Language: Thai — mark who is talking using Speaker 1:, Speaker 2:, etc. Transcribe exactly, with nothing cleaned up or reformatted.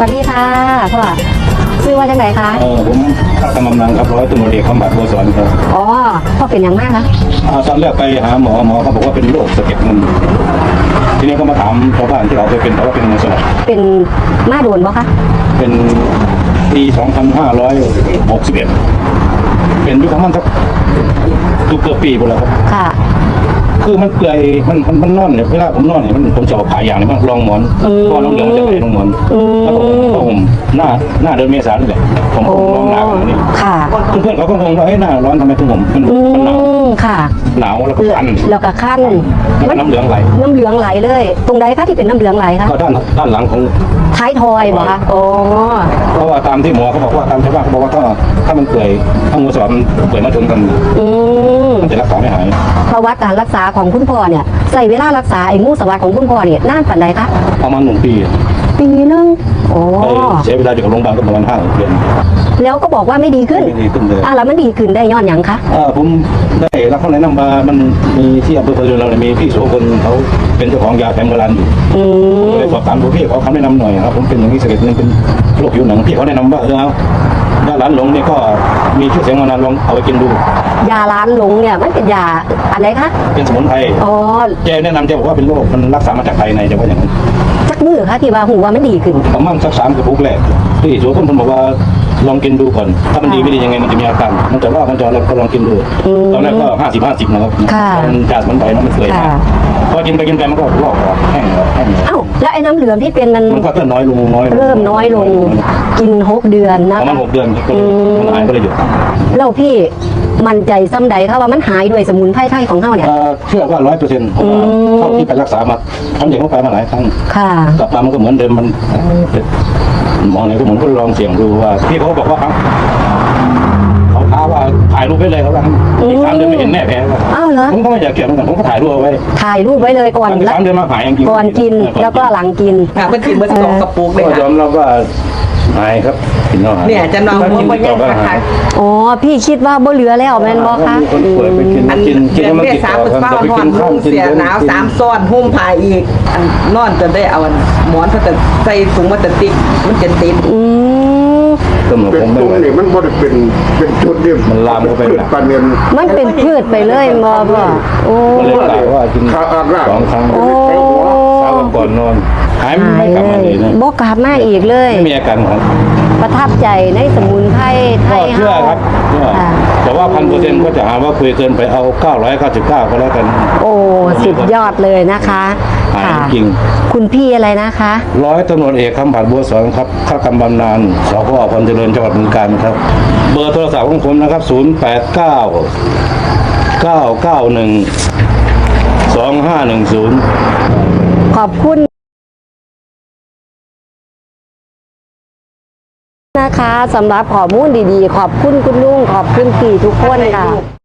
Speaker 1: วัสดีค่ะพ่อชื่อว่าจังไหนคะ
Speaker 2: เออผมข้ากำลังครับร้อยตำรวจเอกคำบัตรบัวสอนครับ
Speaker 1: อ๋อพ่อเป็นอย่างมากนะ
Speaker 2: อ่าตอนแรกไปหาหมอหมอเขาบอกว่าเป็นโรคสะเก็ดเงินทีนี้ก็มาถามชาวบ้านที่เราเคยเป็นเขาว่าเป็นเงินสด
Speaker 1: เป็นมาโดนบ่คะ
Speaker 2: เป็นปีสองพันห้าร้อยหกสิบเอ็ดเป็นยุคของมันสักตุกเกือบปีหมดแล้วครับ
Speaker 1: ค่ะ
Speaker 2: คือมันเปื่อยมันมันมันนอนเนี่ยเวลาผมนอนเนี่ยมันผมจะเอาขายอย่างเนี่ยมันรองหมอนก็น้องเดือดมันจะไหนรองหมอนแล้วผมก็ผมหน้าหน้าเดือนเมษายนนี่แหละผมผมร้องหนาวอย่างนี้
Speaker 1: ค่ะ
Speaker 2: เพื่อนเขาก็งงว่าเฮ้ยหน้าร้อนทำไมถึงผมมันมันหนาว
Speaker 1: ค่ะ
Speaker 2: หนาวแล้วก็คัน
Speaker 1: แล้วก็คัน
Speaker 2: น้ำเหลืองไหล
Speaker 1: น้ำเหลืองไหลเลยตรงใดคะที่เป็นน้ำเหลืองไหลคะ
Speaker 2: ก็ด้านด้านหลังของ
Speaker 1: ท้ายทอยบ่คะโอ้
Speaker 2: เพราะว่าตามที่หมอเขาบอกว่าตามชาวบ้านเขาบอกว่าถ้าถ้ามันเปื่อยถ้างูสอดมันเปื่อยมาชนกันมันจะรักษาไม่หาย
Speaker 1: ประวัติการรักษาของคุณพ่อเนี่ยใส่เวลารักษาไอ้งูสวัสดของคุณพ่อเนี่ยนานปานใดคะ
Speaker 2: ประมาณหนึ่งปี
Speaker 1: ปีนึงโอ้
Speaker 2: ใช้เวลาอยู่กับโรงพยาบาลก็ประมาณห้าเดือน
Speaker 1: แล้วก็บอกว่าไม่ดีขึ้น
Speaker 2: ไม่ดีขึ้นเลย
Speaker 1: อ่ะแล้วมันดีขึ้นได้ย้อนหยังคะ
Speaker 2: อ่าผมได้รับคำแนะนำมามันมีที่อำเภอพะเยาเราเนี่ยมีพี่โสพลเขาเป็นเจ้าของยาแผนโบราณอยู่ก็เลยสอบถามดูพี่เขาคำแนะนำหน่อยครับผมเป็นอย่างนี้สะเก็ดเงินเป็นโรคผิวหนังพี่เขาแนะนำว่าเออเอายาล้านหลงเนี่ยก็มีชื่อเสียงมานานลองเอาไปกินดู
Speaker 1: ยาล้านหลงเนี่ยมันเป็นยาอะไรคะ
Speaker 2: เป็นสมุนไพร
Speaker 1: อ๋อ
Speaker 2: แกแนะนำแกบอกว่าเป็นโรคมันรักษามาจากภายในจะว่าอย่างนั้น
Speaker 1: สักมือคะที่ว่าหูว่ามันดีขึ้น
Speaker 2: ประมาณสักสามกระปุกแรกที่โสพลบอกว่าลองกินดูก่อนถ้ามันดีไม่ดียังไงมันจะมีอาการมันจะว่ามันจะอะไรก็ลองกินดูตอนแรกก็ห้าสิบห้าสิบนะครับมันจากสมุนไพรมันเปื่อยมากพอกินไปกินไปมันก็ลอกออกแห้งแห้ง
Speaker 1: อ้าวแล้วไอ้น้ำเหลืองที่เป็นมัน
Speaker 2: มันก็เริ่มน้อยลงน้อย
Speaker 1: เริ่มน้อยลงกินหกเดือนนะ
Speaker 2: ประมาณหกเดือนมันหายก็เลยหยุด
Speaker 1: แล้วพี่มั่นใจซ้ำใดครับว่ามันหายด้วยสมุนไพรไทยของเฮาเนี่ย
Speaker 2: เชื่อว่าร้อยเปอร์เซ็นต์เท่าที่ไปรักษามาทำอย่างเข้าไปมาหลายครั้ง
Speaker 1: ค่ะ
Speaker 2: กลับมามันก็เหมือนเดิมมันมองไหนก็เหมือนก็ลองเสี่ยงดูว่าพี่เขาบอกว่าครับเขาท้าว่าถ่ายรูปไว้เลยเขาว่าอีกสามเดือนไม่เห็นแน่แพ้
Speaker 1: อ้าวเหรอ
Speaker 2: ผมก็ไม่อยากเกี่ยวเหมือนกันผมก็ถ่ายรูปไว้
Speaker 1: ถ่ายรูปไว้เลยก่อน
Speaker 2: สามเดือนมาหาย
Speaker 1: ก่อนกินแล้วก็หลังกิน
Speaker 3: ค่ะมันกินมันสองกระปุกเลย
Speaker 2: ก็ยอมรับว่าหายครับกินแล้วหาย
Speaker 3: เนี่ยจะนอนหัวมันยังค่ะ
Speaker 1: อ๋อพี่คิดว่าบ่เหลือแล้วแม่นบ่คะ
Speaker 2: คนป่วยไปกินกินกินมันติดต่อกันจะไปกินข้าว
Speaker 3: เสียหนาวสามซ้อนหุ้มผ้าอีกนอนจนได้เอาหมอนพลาสติกใส่ถุงพลาสติกมันจะติด
Speaker 1: อืม
Speaker 4: เป็นตรงนี่มันบ่ได้เป็นเป็นจุดเดียว
Speaker 2: มันลามเข้าไป
Speaker 4: ปานเนียน
Speaker 1: มันเป็นพืชไปเลยบ่พ่อโอ้
Speaker 2: เลยกล่าวว่ากินสองครั้ง
Speaker 1: โอ้
Speaker 2: เช้าก่อนนอนหายไม่กลับมาเลยนะ
Speaker 1: บ่กลับมาอีกเลย
Speaker 2: ไม่มีอาการครับ
Speaker 1: ประทับใจในสมุนไพรไทย
Speaker 2: เชื่อครับแต่ว่าพันเปอร์เซ็นต์ก็จะหาว่าคุยเกินไปเอาเก้าร้อยเก้าสิบเก้าก็แล้วกัน
Speaker 1: โอ้สุดยอดเลยนะคะ
Speaker 2: ค่ะจริง
Speaker 1: คุณพี่อะไรนะคะ
Speaker 2: ร้อยตำรวจเอกคำบัตรบัวสอนครับข้ากำบำนาญสพพลเจริญจังหวัดบึงกาฬครับเบอร์โทรศัพท์ของผมนะครับศูนย์แปดเก้าเก้าเก้าหนึ่งสองห้าหนึ่งศูนย์
Speaker 1: ขอบคุณนะคะสำหรับข้อมูลดีๆขอบคุณคุณลุงขอบคุณพี่ทุกคนค่ะ